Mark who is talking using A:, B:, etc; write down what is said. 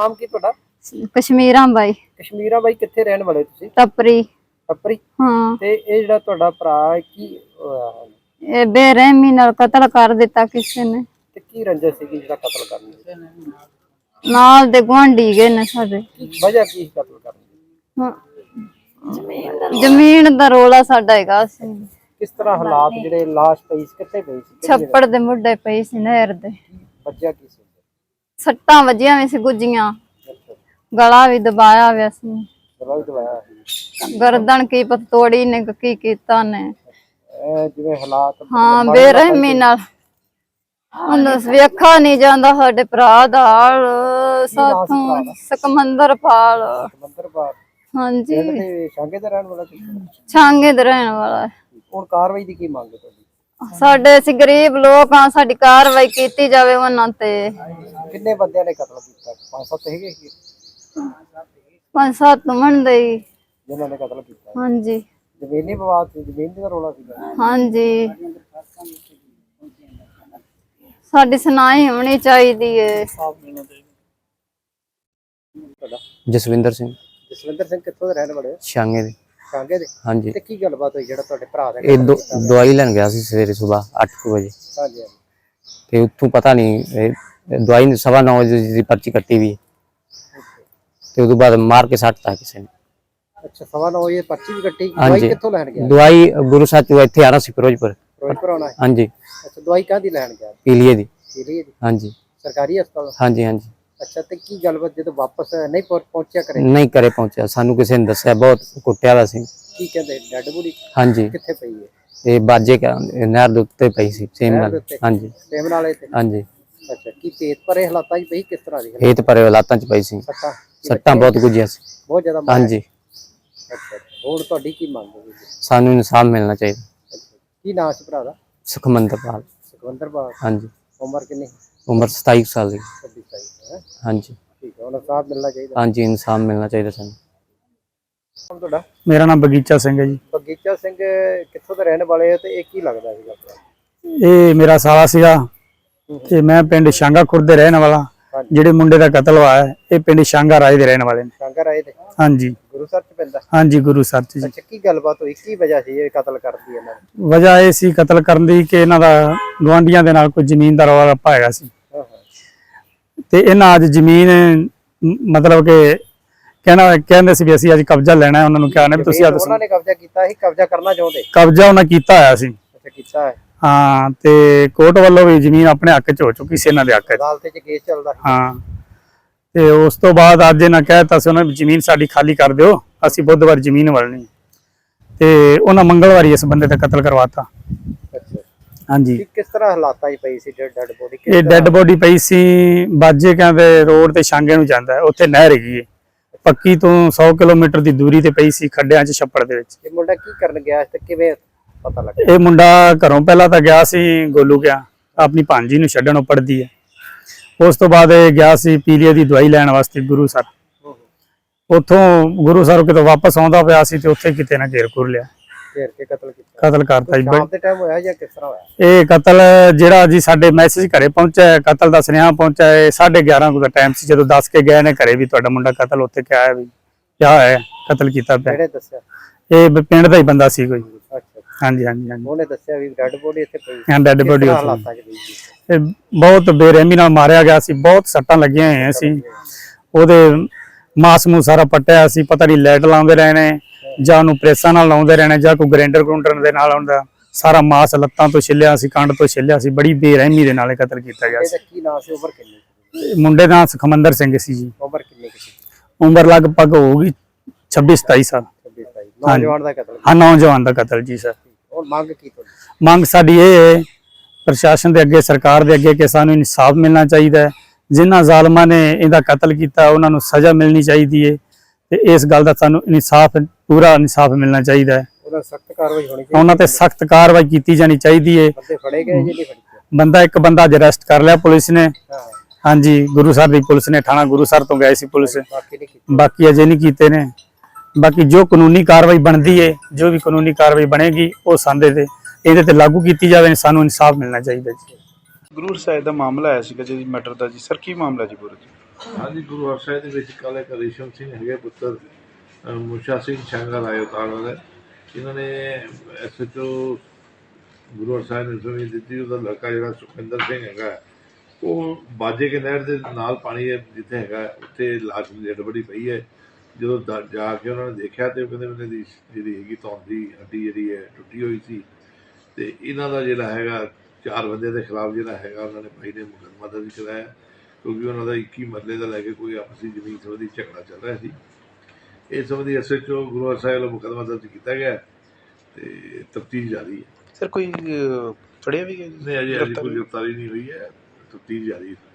A: ਨਾਮ ਕੀ ਤੁਹਾਡਾ?
B: ਕਸ਼ਮੀਰਾਂ ਬਾਈ।
A: ਕਸ਼ਮੀਰਾ ਬਾਈ, ਕਿੱਥੇ ਰਹਿਣ ਵਾਲੇ ਤੁਸੀਂ?
B: ਟੱਪਰੀ।
A: ਟੱਪਰੀ।
B: ਹਾਂ।
A: ਤੇ ਇਹ ਜਿਹੜਾ ਤੁਹਾਡਾ ਭਰਾ ਹੈ, ਕੀ ਹੋਇਆ?
B: ਇਹ ਬੇਰਹਿਮੀ ਨਾਲ ਕਤਲ ਕਰ ਦਿੱਤਾ ਕਿਸੇ ਨੇ।
A: ਤੇ ਕੀ ਰੰਜਿਸ਼ ਸੀਗੀ ਜਿਹੜਾ ਕਤਲ ਕਰਨ ਦੀ?
B: ਨਾਲ ਦੇ ਗੁਆਂਢੀ ਗਏ ਨੇ ਸਾਡੇ।
A: ਵਜ੍ਹਾ ਕੀ ਸੀ ਕਤਲ ਕਰਨ ਦੀ?
B: ਹਾਂ। ਜ਼ਮੀਨ ਦਾ ਰੋਲਾ ਸਾਡਾ ਹੈਗਾ ਸੀ।
A: ਕਿਸ ਤਰ੍ਹਾਂ ਹਾਲਾਤ ਜਿਹੜੇ ਲਾਸ਼ ਪਈ ਸੀ, ਕਿੱਥੇ ਪਈ ਸੀ?
B: ਛੱਪੜ ਦੇ ਮੁੱਢੇ ਪਈ ਸੀ ਨਹਿਰ ਦੇ।
A: ਵੱਜਿਆ ਕੀ ਸੀ?
B: ਸੱਟਾਂ ਵੱਜੀਆਂ ਵੀ ਸੀ ਗੁੱਜੀਆਂ। ਗਲਾ ਵੀ ਦਬਾਇਆ ਹੋਇਆ ਸੀ।
A: ਗਲਾ ਵੀ ਦਬਾਇਆ?
B: ਗਰਦਨ ਕੀ ਪਤ ਤੋੜੀ ਨੇ ਕੀ ਕੀਤਾ ਨੇ।
A: ਜਿਵੇਂ ਹਾਲਾਤ।
B: ਹਾਂ, ਬੇਰਹਿਮੀ ਨਾਲ। ਉਹਨਾਂ ਵੇਖਾ ਨਹੀਂ ਜਾਂਦਾ ਸਾਡੇ ਭਰਾ ਦਾ ਹਾਲ। ਸਾਥੋਂ ਸਕਮੰਦਰਪਾਲ।
A: ਸਕਮੰਦਰਪਾਲ।
B: ਹਾਂਜੀ।
A: ਛਾਂਗੇ ਦਾ ਰਹਿਣ ਵਾਲਾ?
B: ਛਾਂਗੇ ਦਾ ਰਹਿਣ ਵਾਲਾ।
A: ਹੁਣ ਕਾਰਵਾਈ ਦੀ ਕੀ ਮੰਗ ਹੈ ਤੁਹਾਡੀ? ਸਾਡੇ
B: ਅਸੀਂ ਗਰੀਬ ਲੋਕ ਹਾਂ, ਸਾਡੀ ਕਾਰਵਾਈ ਕੀਤੀ ਜਾਵੇ ਉਹਨਾਂ ਤੇ।
A: ਕਿੰਨੇ ਬੰਦਿਆਂ ਨੇ ਕਤਲ ਕੀਤਾ? 5-7 ਹੈਗੇ?
B: 5-7 ਮੰਨਦੇ ਹੀ
A: ਜਿਨ੍ਹਾਂ ਨੇ ਕਤਲ ਕੀਤਾ?
B: ਹਾਂਜੀ।
A: ਜ਼ਮੀਨੀ ਵਿਵਾਦ ਸੀ? ਜ਼ਮੀਨ ਦਾ ਰੌਲਾ ਸੀਗਾ?
B: ਹਾਂਜੀ। ਸਾਡੀ ਸੁਣਾਈ ਹੋਣੀ ਚਾਹੀਦੀ ਹੈ।
C: ਜਸਵਿੰਦਰ ਸਿੰਘ।
A: ਜਸਵਿੰਦਰ ਸਿੰਘ ਕਿੱਥੋਂ ਦੇ ਰਹਿਣ ਵਾਲੇ?
C: ਛਾਂਗੇ ਦੇ।
A: ਛਾਂਗੇ ਦੇ?
C: ਹਾਂਜੀ।
A: ਤੇ ਕੀ ਗੱਲਬਾਤ ਹੋਈ ਜਿਹੜਾ ਤੁਹਾਡੇ ਭਰਾ ਦਾ?
C: ਇਹ ਦਵਾਈ ਲੈਣ ਗਿਆ ਸੀ ਸਵੇਰੇ ਸੁਬਾਹ 8 ਵਜੇ।
A: ਹਾਂਜੀ।
C: ਤੇ ਉੱਥੋਂ ਪਤਾ ਨਹੀਂ ਦਵਾਈ 9:15 ਵਜੇ ਦੀ ਪਰਚੀ ਕੱਟੀ ਵੀ ਤੇ ਉਦੋਂ ਬਾਅਦ ਮਾਰ ਕੇ ਸੱਟਤਾ ਕਿਸੇ ਨੇ।
A: ਅੱਛਾ, 9:15 ਵਜੇ ਪਰਚੀ ਵੀ ਕੱਟੀ? ਦਵਾਈ ਕਿੱਥੋਂ ਲੈਣ ਗਿਆ?
C: ਦਵਾਈ ਗੁਰੂ ਸਾਹਿਬ ਇੱਥੇ ਆਣਾ ਸੀ ਫਿਰੋਜ਼ਪੁਰ।
A: ਫਿਰੋਜ਼ਪੁਰ ਆਉਣਾ?
C: ਹਾਂਜੀ।
A: ਅੱਛਾ, ਦਵਾਈ ਕਾਹਦੀ ਲੈਣ ਗਿਆ?
C: ਪੀਲੀਏ ਦੀ।
A: ਪੀਲੀਏ ਦੀ?
C: ਹਾਂਜੀ।
A: ਸਰਕਾਰੀ ਹਸਪਤਾਲ?
C: ਹਾਂਜੀ ਹਾਂਜੀ।
A: ਅੱਛਾ, ਤੇ ਕੀ ਗੱਲਬਾਤ ਜਦੋਂ ਵਾਪਸ ਨਹੀਂ ਪਹੁੰਚਿਆ ਕਰੇ?
C: ਨਹੀਂ ਘਰੇ ਪਹੁੰਚਿਆ, ਸਾਨੂੰ ਕਿਸੇ ਨੇ ਦੱਸਿਆ ਬਹੁਤ ਕੁੱਟਿਆ ਦਾ ਸੀ।
A: ਕੀ ਕਹਿੰਦੇ? Dead body?
C: ਹਾਂਜੀ।
A: ਕਿੱਥੇ ਪਈ ਹੈ?
C: ਇਹ ਬਾਜੇ ਨਹਿਰ ਦੇ ਉੱਤੇ ਪਈ ਸੀ ਸੇਮ ਨਾਲ। ਹਾਂਜੀ।
A: ਸੇਮ ਨਾਲੇ ਤੇ?
C: ਹਾਂਜੀ।
A: ਅੱਛਾ, ਕੀ ਪੇਟ ਭਰੇ ਹਾਲਾਤਾਂ 'ਚ ਪਈ? ਕਿਸ ਤਰ੍ਹਾਂ ਦੀ?
C: ਇਹ ਤਾਂ ਪਰੇ ਹਾਲਾਤਾਂ 'ਚ ਪਈ ਸੀ। ਸੱਟਾਂ ਬਹੁਤ ਗੁੱਜੀਆਂ ਸੀ।
A: ਬਹੁਤ ਜ਼ਿਆਦਾ?
C: ਹਾਂਜੀ।
A: ਅੱਛਾ, ਹੋਰ ਤੁਹਾਡੀ ਕੀ ਮੰਗ ਹੈ?
C: ਸਾਨੂੰ ਇਨਸਾਫ ਮਿਲਣਾ ਚਾਹੀਦਾ।
A: ਕੀ ਨਾਮ ਸੀ ਭਰਾ ਦਾ?
C: ਸੁਖਮੰਦਰਪਾਲ।
A: ਸੁਖਵਿੰਦਰਪਾਲ।
C: ਹਾਂਜੀ।
A: ਉਮਰ ਕਿੰਨੀ?
C: ਉਮਰ 27 ਸਾਲ ਦੀ।
A: 26 ਸਾਲ।
C: ਹਾਂਜੀ।
A: ਠੀਕ ਹੈ, ਹੁਣ ਇਨਸਾਫ ਮਿਲਣਾ ਚਾਹੀਦਾ।
C: ਹਾਂਜੀ, ਇਨਸਾਫ ਮਿਲਣਾ ਚਾਹੀਦਾ ਸਾਨੂੰ।
A: ਤੁਹਾਡਾ?
D: ਮੇਰਾ ਨਾਮ ਬਗੀਚਾ ਸਿੰਘ ਹੈ ਜੀ।
A: ਬਗੀਚਾ ਸਿੰਘ ਕਿੱਥੋਂ ਦੇ ਰਹਿਣ ਵਾਲੇ ਹੋ ਤੇ ਇਹ ਕੀ ਲੱਗਦਾ ਸੀਗਾ?
D: ਇਹ ਮੇਰਾ ਸਾਲਾ ਸੀਗਾ ਤੇ ਮੈਂ ਪਿੰਡ ਸ਼ਾਂਗਾ ਖੁਰਦ ਦੇ ਰਹਿਣ ਵਾਲਾ। ਜਿਹੜੇ ਮੁੰਡੇ ਦਾ ਕਤਲ ਹੋਇਆ ਹੈ ਇਹ ਪਿੰਡ ਸ਼ਾਂਗਾ ਰਾਏ ਦੇ ਰਹਿਣ ਵਾਲੇ ਨੇ।
A: ਸ਼ਾਂਗਾ ਰਾਏ ਦੇ?
D: ਹਾਂਜੀ।
A: ਗੁਰੂਸਰ ਚ ਪੈਂਦਾ?
D: ਹਾਂਜੀ, ਗੁਰੂਸਰ ਚ ਜੀ।
A: ਅੱਛਾ, ਕੀ ਗੱਲਬਾਤ ਹੋਈ? ਕੀ ਵਜ੍ਹਾ ਸੀ ਇਹ ਕਤਲ ਕਰਨ ਦੀ ਇਹਨਾਂ ਦੀ?
D: ਵਜ੍ਹਾ ਇਹ ਸੀ ਕਤਲ ਕਰਨ ਦੀ ਕਿ ਇਹਨਾਂ ਦਾ ਗੁਆਂਢੀਆਂ ਦੇ ਨਾਲ ਕੋਈ ਜ਼ਮੀਨ ਦਾ ਰੌਲਾ ਰੱਪਾ ਹੈਗਾ ਸੀ ਤੇ ਇਹਨਾਂ ਅੱਜ ਜ਼ਮੀਨ ਮਤਲਬ ਕਿ ਕਹਿੰਦੇ ਸੀ ਵੀ ਅਸੀਂ ਅੱਜ ਕਬਜ਼ਾ ਲੈਣਾ ਹੈ। ਉਹਨਾਂ ਨੂੰ ਕਿਹਾ ਨਾ ਵੀ ਤੁਸੀਂ
A: ਉਹਨਾਂ ਨੇ ਕਬਜ਼ਾ ਕੀਤਾ ਸੀ? ਕਬਜ਼ਾ ਕਰਨਾ ਚਾਹੁੰਦੇ?
D: ਕਬਜ਼ਾ ਉਹਨਾਂ ਕੀਤਾ ਹੋਇਆ ਸੀ।
A: ਅੱਛਾ, ਕੀਤਾ ਹੈ।
D: ਹਾਂ, ਤੇ ਕੋਰਟ ਵੱਲੋਂ ਵੀ ਜ਼ਮੀਨ ਆਪਣੇ ਹੱਕ 'ਚ ਹੋ ਚੁੱਕੀ ਸੀ, ਇਹਨਾਂ ਦੇ ਹੱਕ 'ਚ।
A: ਅਦਾਲਤ 'ਚ ਕੇਸ ਚੱਲਦਾ?
D: ਹਾਂ। ਤੇ ਉਸ ਤੋਂ ਬਾਅਦ ਅੱਜ ਇਹਨਾਂ ਕਹਿਤਾ ਸੀ ਉਹਨਾਂ ਨੇ ਜ਼ਮੀਨ ਸਾਡੀ ਖਾਲੀ ਕਰ ਦਿਓ, ਅਸੀਂ ਬੁੱਧਵਾਰ ਜ਼ਮੀਨ ਵਲਣੀ। ਤੇ ਉਹਨਾਂ ਮੰਗਲਵਾਰੀ ਇਸ ਬੰਦੇ ਦਾ ਕਤਲ ਕਰਵਾਤਾ।
A: ਅੱਛਾ।
D: ਹਾਂਜੀ।
A: ਕਿਸ ਤਰ੍ਹਾਂ ਹਾਲਾਤਾਂ 'ਚ ਪਈ ਸੀ ਡੈਡ ਬੋਡੀ?
D: ਇਹ ਡੈਡ ਬੋਡੀ ਪਈ ਸੀ ਬਾਜੇ ਕਹਿੰਦੇ ਰੋਡ ਤੇ ਸ਼ਾਂਗੇ ਨੂੰ ਜਾਂਦਾ, ਉੱਥੇ ਨਹਿਰ ਹੈਗੀ ਹੈ ਪੱਕੀ ਤੋਂ 100 ਕਿਲੋਮੀਟਰ ਦੀ ਦੂਰੀ ਤੇ ਪਈ ਸੀ, ਖੱਡਿਆਂ 'ਚ ਛੱਪੜ ਦੇ ਵਿੱਚ।
A: ਇਹ ਮੁੰਡਾ ਕੀ ਕਰਨ ਗਿਆ ਤੇ ਕਿਵੇਂ ਪਤਾ ਲੱਗਾ?
D: ਇਹ ਮੁੰਡਾ ਘਰੋਂ ਪਹਿਲਾਂ ਤਾਂ ਗਿਆ ਸੀ ਗੋਲੂ ਗਿਆ, ਆਪਣੀ ਭਾਂਜੀ ਨੂੰ ਛੱਡਣ, ਉਹ ਪੜਦੀ ਹੈ। ਉਸ ਤੋਂ ਬਾਅਦ ਇਹ ਗਿਆ ਸੀ ਪੀਲੀਏ ਦੀ ਦਵਾਈ ਲੈਣ ਵਾਸਤੇ ਗੁਰੂਸਰ। ਉੱਥੋਂ ਗੁਰੂਸਰ ਕਿਤੋਂ ਵਾਪਸ ਆਉਂਦਾ ਪਿਆ ਸੀ ਤੇ ਉੱਥੇ ਕਿਤੇ ਨਾ ਘੇਰ ਘੁਰ ਲਿਆ,
A: ਘੇਰ ਕੇ ਕਤਲ ਕੀਤਾ।
D: ਕਤਲ ਕਰਤਾ ਜੀ।
A: ਸ਼ਾਮ ਦੇ ਟਾਈਮ ਹੋਇਆ ਜਾਂ ਕਿਸ ਤਰ੍ਹਾਂ ਹੋਇਆ
D: ਇਹ ਕਤਲ? ਜਿਹੜਾ ਜੀ ਸਾਡੇ ਮੈਸੇਜ ਘਰੇ ਪਹੁੰਚਿਆ, ਕਤਲ ਦਾ ਸੁਨੇਹਾ ਪਹੁੰਚਿਆ 11:30 ਦਾ ਟਾਈਮ ਸੀ ਜਦੋਂ ਦੱਸ ਕੇ ਗਏ ਨੇ ਘਰੇ ਵੀ ਤੁਹਾਡਾ ਮੁੰਡਾ ਕਤਲ ਉੱਥੇ ਕਿਹਾ ਹੈ ਵੀ ਕਿਆ ਹੈ ਕਤਲ ਕੀਤਾ ਪਿਆ।
A: ਕਿਹੜੇ ਦੱਸਿਆ? ਇਹ
D: ਪਿੰਡ ਦਾ ਹੀ ਬੰਦਾ ਸੀ ਕੋਈ।
A: ਅੱਛਾ।
D: ਹਾਂਜੀ ਹਾਂਜੀ ਹਾਂਜੀ।
A: ਉਹਨੇ ਦੱਸਿਆ ਵੀ ਡੈਡ ਬੋਡੀ ਇੱਥੇ ਪਈ?
D: ਹਾਂ, ਡੈਡ ਬੋਡੀ
A: ਹਾਲਾਤਾਂ 'ਚ ਪਈ ਸੀ।
D: ਇਹ ਬਹੁਤ ਬੇਰਹਿਮੀ ਨਾਲ ਮਾਰਿਆ ਗਿਆ ਸੀ, ਬਹੁਤ ਸੱਟਾਂ ਲੱਗੀਆਂ ਹੋਈਆਂ ਸੀ। ਉਹਦੇ ਮਾਸ ਮੂੰਹ ਸਾਰਾ ਪੱਟਿਆ ਸੀ, ਪਤਾ ਨਹੀਂ ਲਾਈਟ ਲਾਉਂਦੇ ਰਹੇ ਨੇ ਜਾਂ ਉਹਨੂੰ ਪ੍ਰੈਸਾਂ ਨਾਲ ਲਾਉਂਦੇ ਰਹਿਣੇ ਜਾਂ ਕੋਈ ਗ੍ਰਾਈਂਡਰ ਗਰੂੰਡਰ ਦੇ ਨਾਲ ਆਉਂਦਾ। ਸਾਰਾ ਮਾਸ ਲੱਤਾਂ ਤੋਂ ਛਿੱਲਿਆ ਸੀ, ਕੰਡ ਤੋਂ ਛਿੱਲਿਆ ਸੀ। ਬੜੀ ਬੇਰਹਿਮੀ ਦੇ ਨਾਲ ਕਤਲ ਕੀਤਾ ਗਿਆ ਸੀ।
A: ਇਹਦਾ ਕੀ ਨਾਮ ਸੀ? ਉਮਰ ਕਿੰਨੀ?
D: ਮੁੰਡੇ ਦਾ ਸੁਖਮੰਦਰ ਸਿੰਘ ਸੀ ਜੀ।
A: ਉਮਰ ਕਿੰਨੀ ਸੀ?
D: ਉਮਰ ਲਗਭਗ ਹੋਊਗੀ 26-27 ਸਾਲ।
A: 26-27। ਨੌਜਵਾਨ ਦਾ ਕਤਲ?
D: ਹਾਂ, ਨੌਜਵਾਨ ਦਾ ਕਤਲ ਜੀ ਸਰ।
A: ਹੁਣ ਮੰਗ ਕੀ ਤੁਹਾਡੀ?
D: ਮੰਗ ਸਾਡੀ ਇਹ ਹੈ ਪ੍ਰਸ਼ਾਸਨ ਦੇ ਅੱਗੇ, ਸਰਕਾਰ ਦੇ ਅੱਗੇ ਕਿ ਸਾਨੂੰ ਇਨਸਾਫ ਮਿਲਣਾ ਚਾਹੀਦਾ ਹੈ। ਜਿਨ੍ਹਾਂ ਜ਼ਾਲਮਾਂ ਨੇ ਇਹਦਾ ਕਤਲ ਕੀਤਾ ਉਹਨਾਂ ਨੂੰ ਸਜ਼ਾ ਮਿਲਣੀ ਚਾਹੀਦੀ ਹੈ ਤੇ ਇਸ ਗੱਲ ਦਾ ਸਾਨੂੰ ਇਨਸਾਫ, ਪੂਰਾ ਇਨਸਾਫ ਮਿਲਣਾ ਚਾਹੀਦਾ ਹੈ।
A: ਉਹਨਾਂ ਸਖਤ ਕਾਰਵਾਈ ਹੋਣੀ ਚਾਹੀਦੀ।
D: ਉਹਨਾਂ ਤੇ ਸਖਤ ਕਾਰਵਾਈ ਕੀਤੀ ਜਾਣੀ ਚਾਹੀਦੀ ਹੈ।
A: ਬੰਦੇ ਫੜੇ ਗਏ ਜਾਂ ਨਹੀਂ ਫੜੇ?
D: ਇੱਕ ਬੰਦਾ ਅੱਜ ਅਰੈਸਟ ਕਰ ਲਿਆ ਪੁਲਿਸ ਨੇ। ਹਾਂਜੀ, ਗੁਰੂਸਰ ਦੀ ਪੁਲਿਸ ਨੇ, ਥਾਣਾ ਗੁਰੂਸਰ ਤੋਂ ਗਏ ਸੀ ਪੁਲਿਸ। ਬਾਕੀ ਅਜੇ ਨਹੀਂ ਕੀਤੇ ਨੇ। ਬਾਕੀ ਜੋ ਕਾਨੂੰਨੀ ਕਾਰਵਾਈ ਬਣਦੀ ਹੈ, ਜੋ ਵੀ ਕਾਨੂੰਨੀ ਕਾਰਵਾਈ ਬਣੇਗੀ ਉਹ ਸਾਡੇ ਤੇ ਇਹਦੇ ਤੇ ਲਾਗੂ ਕੀਤੀ ਜਾਵੇ। ਸਾਨੂੰ ਇਨਸਾਫ ਮਿਲਣਾ ਚਾਹੀਦਾ ਜੀ।
E: ਗੁਰੂ ਸਾਹਿਬ ਦਾ ਮਾਮਲਾ ਆਇਆ ਸੀਗਾ ਜੀ ਮੈਟਰ ਦਾ ਜੀ। ਸਰ ਕੀ ਮਾਮਲਾ ਜੀ ਪੂਰਾ ਜੀ? ਹਾਂਜੀ, ਗੁਰੂ ਹਰਸਾਏ ਦੇ ਵਿੱਚ ਕੱਲ੍ਹ ਇੱਕ ਰੇਸ਼ਮ ਸਿੰਘ ਹੈਗੇ ਪੁੱਤਰ ਮੁਸ਼ਾ ਸਿੰਘ ਸ਼ੰਗਰ ਆਏ ਉਤਾਰ ਵਾਲੇ, ਇਹਨਾਂ ਨੇ SHO ਗੁਰੂ ਹਰਸਾਏ ਨੇ ਜ਼ਮੀਨ ਦਿੱਤੀ। ਉਹਦਾ ਲੜਕਾ ਜਿਹੜਾ ਸੁਖਿੰਦਰ ਸਿੰਘ ਹੈਗਾ, ਉਹ ਬਾਜੇ ਕੇ ਨਹਿਰ ਦੇ ਨਾਲ ਪਾਣੀ ਜਿੱਥੇ ਹੈਗਾ ਉੱਥੇ ਲਾਸ਼ ਡੈਡ ਬੜੀ ਪਈ ਹੈ। ਜਦੋਂ ਜਾ ਕੇ ਉਹਨਾਂ ਨੇ ਦੇਖਿਆ ਤੇ ਉਹ ਕਹਿੰਦੇ ਉਹਨਾਂ ਦੀ ਜਿਹੜੀ ਹੈਗੀ ਧੌਣ ਦੀ ਹੱਡੀ ਜਿਹੜੀ ਹੈ ਟੁੱਟੀ ਹੋਈ ਸੀ। ਤੇ ਇਹਨਾਂ ਦਾ ਜਿਹੜਾ ਹੈਗਾ 4 ਬੰਦੇ ਦੇ ਖਿਲਾਫ ਜਿਹੜਾ ਹੈਗਾ ਉਹਨਾਂ ਨੇ ਭਾਈ ਨੇ ਮੁਕੱਦਮਾ ਦਰਜ ਕਰਾਇਆ, ਕਿਉਂਕਿ ਉਹਨਾਂ ਦਾ 21 ਮਰਲੇ ਦਾ ਲੈ ਕੇ ਕੋਈ ਆਪਸੀ ਜ਼ਮੀਨ ਸੰਬੰਧੀ ਝਗੜਾ ਚੱਲ ਰਿਹਾ ਸੀ। ਇਸ ਸੰਬੰਧੀ SHO ਗੁਰੂ ਹਰਸਾਏ ਵੱਲੋਂ ਮੁਕੱਦਮਾ ਦਰਜ ਕੀਤਾ ਗਿਆ ਤੇ ਤਫਤੀਸ਼ ਜਾਰੀ ਹੈ।
F: ਸਰ ਕੋਈ ਫੜਿਆ ਵੀ ਗਿਆ ਜੀ?
E: ਨਹੀਂ, ਅਜੇ ਕੋਈ ਗ੍ਰਿਫਤਾਰੀ ਨਹੀਂ ਹੋਈ ਹੈ, ਤਫਤੀਸ਼ ਜਾਰੀ ਹੈ।